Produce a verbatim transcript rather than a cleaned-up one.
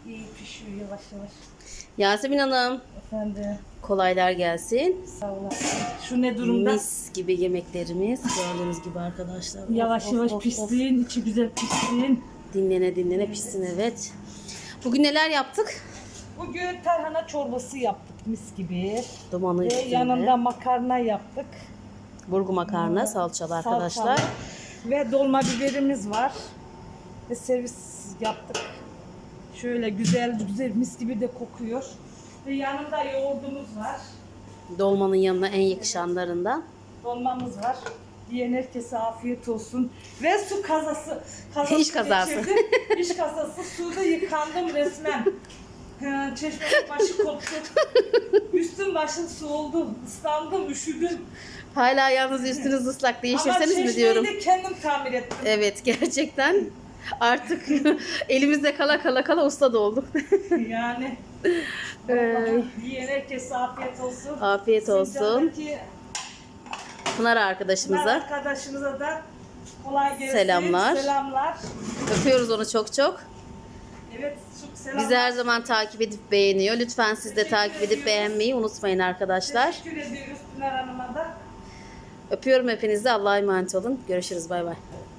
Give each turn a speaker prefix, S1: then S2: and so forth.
S1: İyi pişiyor yavaş yavaş.
S2: Yasemin Hanım,
S1: Efendim.
S2: kolaylar gelsin.
S1: Sağ olasın. Şu ne durumda?
S2: Mis gibi yemeklerimiz gördüğünüz gibi arkadaşlar. Of,
S1: Yavaş
S2: of,
S1: yavaş
S2: of,
S1: pişsin,
S2: of.
S1: içi güzel pişsin.
S2: Dinlene dinlene pişsin, evet. Bugün neler yaptık?
S1: Bugün tarhana çorbası yaptık mis gibi.
S2: Dumanın
S1: Ve
S2: üstünde.
S1: yanında makarna yaptık.
S2: Burgu makarna, salçalı arkadaşlar.
S1: Salçalı. Ve dolma biberimiz var. Ve servis yaptık. Şöyle güzel güzel mis gibi de kokuyor. Ve yanında yoğurdumuz var.
S2: Dolmanın yanına en yakışanlarından.
S1: Dolmamız var. Diyen herkese afiyet olsun. Ve su kazası. kazası
S2: İş kazası.
S1: geçirdim. İş kazası. Suda yıkandım resmen. Ha, çeşmenin başı koptu. Üstüm başım su oldu. Islandım, üşüdüm.
S2: Hala yalnız üstünüz ıslak, değiştirseniz mi diyorum.
S1: Ama çeşmeyi de kendim tamir ettim.
S2: Evet, gerçekten artık elimizde kala kala kala usta da olduk.
S1: Yani.
S2: Ee,
S1: Diyen herkese afiyet olsun.
S2: Afiyet olsun.
S1: Sincan'daki
S2: Pınar arkadaşımıza
S1: arkadaşımıza da kolay gelsin.
S2: Selamlar.
S1: Selamlar.
S2: öpüyoruz onu çok çok.
S1: Evet, çok selamlar.
S2: Bizi her zaman takip edip beğeniyor. Lütfen siz de
S1: Teşekkür
S2: takip edip
S1: ediyoruz.
S2: beğenmeyi unutmayın arkadaşlar.
S1: Teşekkür ediyoruz Pınar Hanım'a da.
S2: Öpüyorum hepinizi. Allah'a emanet olun. Görüşürüz. Bay bay.